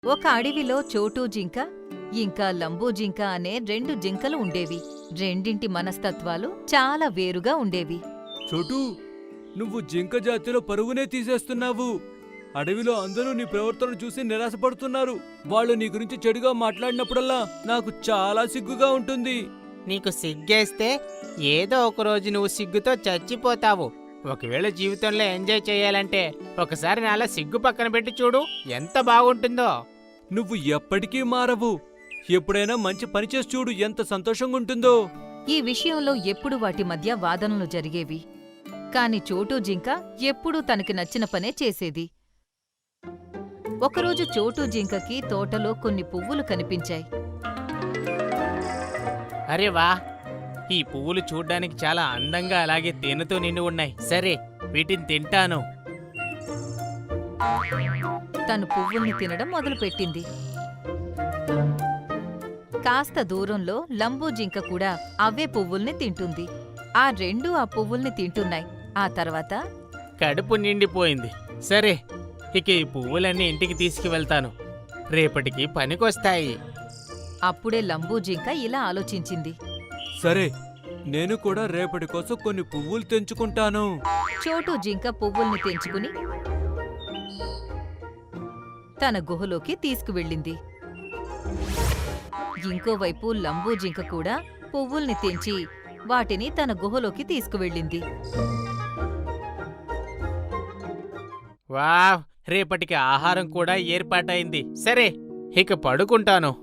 ఒక అడవిలో చోటూ జింక, ఇంకా లంబూ జింక అనే 2 జింకలు ఉండేవి. రెండింటి మనస్తత్వాలు చాలా వేరుగా ఉండేవి. చోటూ, నువ్వు జింక జాతిలో పరువునే తీసేస్తున్నావు. అడవిలో అందరూ నీ ప్రవర్తన చూసి నిరాశపడుతున్నారు. వాళ్ళు నీ గురించి చెడుగా మాట్లాడినప్పుడల్లా నాకు చాలా సిగ్గుగా ఉంటుంది. నీకు సిగ్గేస్తే ఏదో ఒకరోజు నువ్వు సిగ్గుతో చచ్చిపోతావు. ఒకవేళ జీవితంలో ఎంజాయ్ చేయాలంటే ఒకసారి నాలా సిగ్గు పక్కన పెట్టి చూడు, ఎంత బాగుంటుందో. నువ్వు ఎప్పటికీ మారవు. ఎప్పుడైనా మంచి పని చేసి చూడు, ఎంత సంతోషంగా ఉంటుందో. ఈ విషయంలో ఎప్పుడు వాటి మధ్య వాదనలు జరిగేవి. కాని చోటూ జింక ఎప్పుడూ తనకి నచ్చిన పనే చేసేది. ఒకరోజు చోటూ జింకకి తోటలో కొన్ని పువ్వులు కనిపించాయి. అరే వా, ఈ పువ్వులు చూడ్డానికి చాలా అందంగా అలాగే తేనెతో నిండి ఉన్నాయి. సరే, వీటిని తింటాను. తను పువ్వుల్ని తినడం మొదలుపెట్టింది. కాస్త దూరంలో లంబూ జింక కూడా అవే పువ్వుల్ని తింటుంది. ఆ రెండూ ఆ పువ్వుల్ని తింటున్నాయి. ఆ తర్వాత కడుపు నిండిపోయింది. సరే, ఇక ఈ పువ్వులన్నీ ఇంటికి తీసుకువెళ్తాను. రేపటికి పనికొస్తాయి. అప్పుడే లంబూ జింక ఇలా ఆలోచించింది. సరే, నేను కూడా రేపటి కోసం కొన్ని పువ్వులు తెంచుకుంటాను. చోటూ జింక పువ్వుల్ని తెంచుకుని తన గుహలోకి తీసుకువెళ్ళింది. ఇంకోవైపు లంబూ జింక కూడా పువ్వుల్ని తెంచి వాటిని తన గుహలోకి తీసుకువెళ్ళింది. వావ్, రేపటికి ఆహారం కూడా ఏర్పాటైంది. సరే, ఇక పడుకుంటాను.